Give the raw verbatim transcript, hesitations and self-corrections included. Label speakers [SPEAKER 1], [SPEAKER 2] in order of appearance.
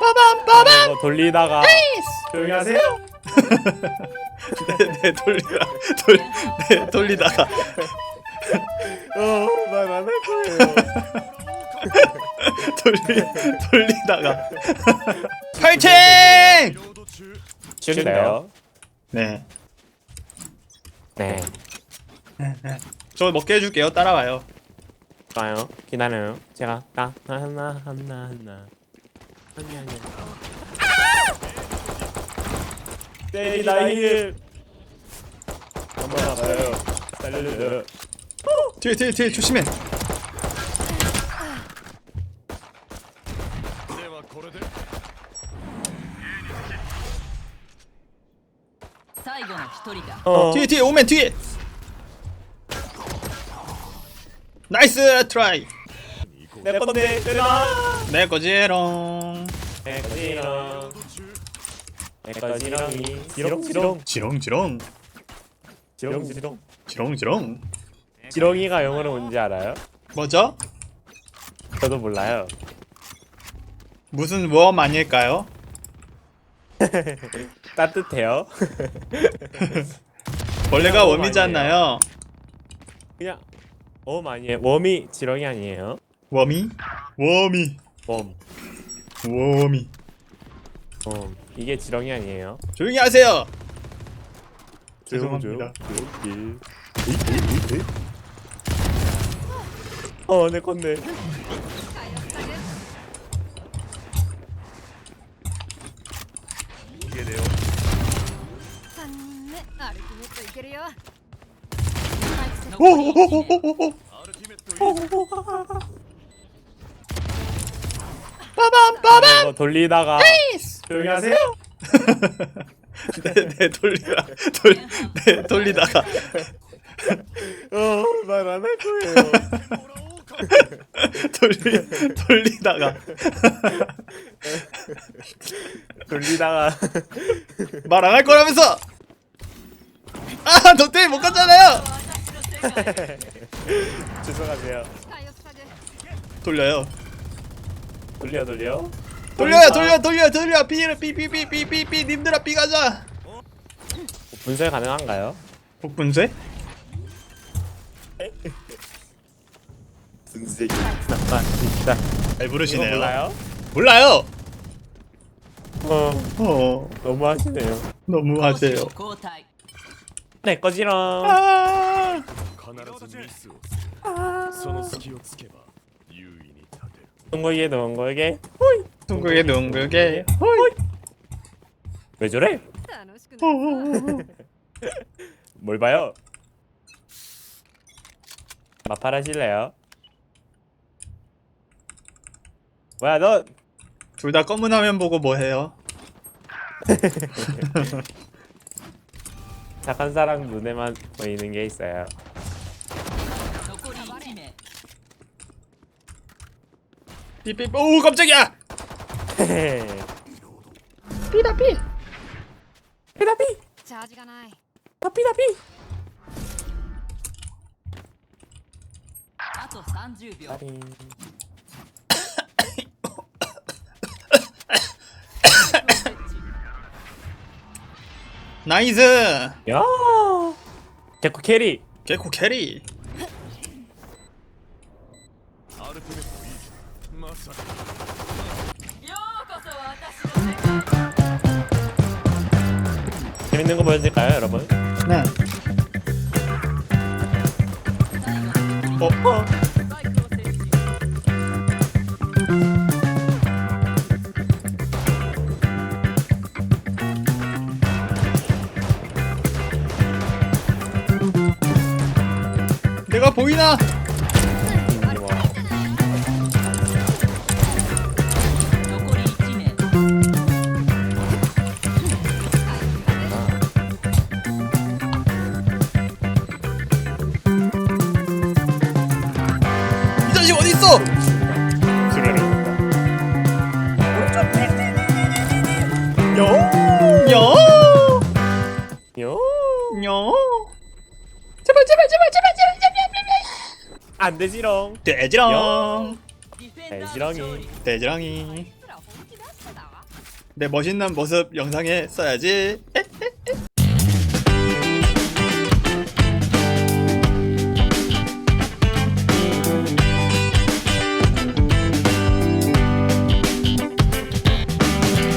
[SPEAKER 1] 빠밤 빠밤.
[SPEAKER 2] 이거 돌리다가 조용히 하세요.
[SPEAKER 1] 네, 네 돌리다 돌, 네 돌리다가
[SPEAKER 2] 어말 안 할 거예요.
[SPEAKER 1] 돌리 돌리다가 파이팅!
[SPEAKER 2] 쉬운데요?
[SPEAKER 1] 네,
[SPEAKER 2] 네.
[SPEAKER 1] 저 먹게 해줄게요. 따라와요.
[SPEAKER 2] 좋아요. 기다려요. 제가 딱 하나 하나 하나 아니 아니. 때리다 힐. 한번 아파요. 살려줘요.
[SPEAKER 1] 뒤에 뒤에 뒤에 조심해.
[SPEAKER 2] 어.
[SPEAKER 1] 뒤에 뒤에 오면 뒤에. 나이스 트라이.
[SPEAKER 2] 내 건데 때라.
[SPEAKER 1] 내 거지롱.
[SPEAKER 2] 내 거지롱. 내 거지롱이 지롱 지롱
[SPEAKER 1] 지롱 지롱
[SPEAKER 2] 지롱 지롱.
[SPEAKER 1] 지롱 지롱.
[SPEAKER 2] 지롱이가 영어로 뭔지 알아요?
[SPEAKER 1] 뭐죠?
[SPEAKER 2] 저도 몰라요.
[SPEAKER 1] 무슨 웜 아닐까요?
[SPEAKER 2] 따뜻해요.
[SPEAKER 1] 원래가
[SPEAKER 2] 웜
[SPEAKER 1] 웜이잖아요.
[SPEAKER 2] 그냥 웜 아니에요. 웜이 지렁이 아니에요.
[SPEAKER 1] 웜이? 웜이
[SPEAKER 2] 웜.
[SPEAKER 1] 웜이.
[SPEAKER 2] 웜. 이게 지렁이 아니에요.
[SPEAKER 1] 조용히 하세요.
[SPEAKER 2] 조용,
[SPEAKER 1] 죄송합니다.
[SPEAKER 2] 조용. 조용. 어, 내 건데.
[SPEAKER 1] 이게 돼요. 오오오오오오. 빠밤 빠밤.
[SPEAKER 2] 이거 돌리다가 조용히 하세요.
[SPEAKER 1] 네, 네 돌리다 돌, 네 돌리다가
[SPEAKER 2] 어, 말 안 할 거예요.
[SPEAKER 1] 돌리 돌리다가
[SPEAKER 2] 돌리다가
[SPEAKER 1] 말 안 할 거라면서. 아, 너 때문에 못 갔잖아요.
[SPEAKER 2] 죄송하세요.
[SPEAKER 1] 돌려요.
[SPEAKER 2] 돌려 돌려.
[SPEAKER 1] 돌려요, 돌려, 돌려, 돌려. 삐를 삐삐삐삐삐삐. 님들아 삐 가자.
[SPEAKER 2] 분쇄 가능한가요?
[SPEAKER 1] 복분쇄?
[SPEAKER 2] 분쇄. 나 진짜.
[SPEAKER 1] 잘
[SPEAKER 2] 이거
[SPEAKER 1] 부르시네요.
[SPEAKER 2] 몰라요?
[SPEAKER 1] 몰라요.
[SPEAKER 2] 어,
[SPEAKER 1] 어,
[SPEAKER 2] 너무 하시네요.
[SPEAKER 1] 너무 하세요.
[SPEAKER 2] 내 거지롱.
[SPEAKER 1] 아,
[SPEAKER 3] 必ずミスをするその隙をつけば優位に立てる
[SPEAKER 2] 둥글게 둥글게.
[SPEAKER 1] 둥글게 둥글게. 호이.
[SPEAKER 2] 왜 저래?
[SPEAKER 1] 호호호호.
[SPEAKER 2] 뭘 봐요? 마팔 하실래요? 뭐야 너?
[SPEAKER 1] 둘 다 검은 화면 보고 뭐 해요?
[SPEAKER 2] 착한 사람 눈에만 보이는 게 있어요.
[SPEAKER 1] 삐삐. 오, 깜짝이야. 삐다 삐.
[SPEAKER 2] 피다피. 다피다피.
[SPEAKER 4] あとさんじゅうびょう
[SPEAKER 1] 나이스.
[SPEAKER 2] 야. 개코 캐리.
[SPEAKER 1] 개코 캐리.
[SPEAKER 3] アルティメットいいまさか
[SPEAKER 4] ようこそ私の
[SPEAKER 2] 재밌는 거 보여줄까요, 여러분?
[SPEAKER 1] 네. 어, 어.
[SPEAKER 4] バイクを設置
[SPEAKER 1] 내가 보이나?
[SPEAKER 2] 음, 뭐.
[SPEAKER 4] 残りいち名
[SPEAKER 1] 이 자식 어디 있어?
[SPEAKER 2] 수레를.
[SPEAKER 1] 여, 여,
[SPEAKER 2] 요.
[SPEAKER 1] 여. 제발, 제발, 제발, 제발, 제발, 제발, 제발.
[SPEAKER 2] 안 되지롱.
[SPEAKER 1] 돼지랑,
[SPEAKER 4] ディフェンダーの勝利
[SPEAKER 2] 돼지랑이.
[SPEAKER 1] 돼지랑이.
[SPEAKER 4] あいつら本気出してたわ
[SPEAKER 1] 내 멋있는 모습 영상에 써야지.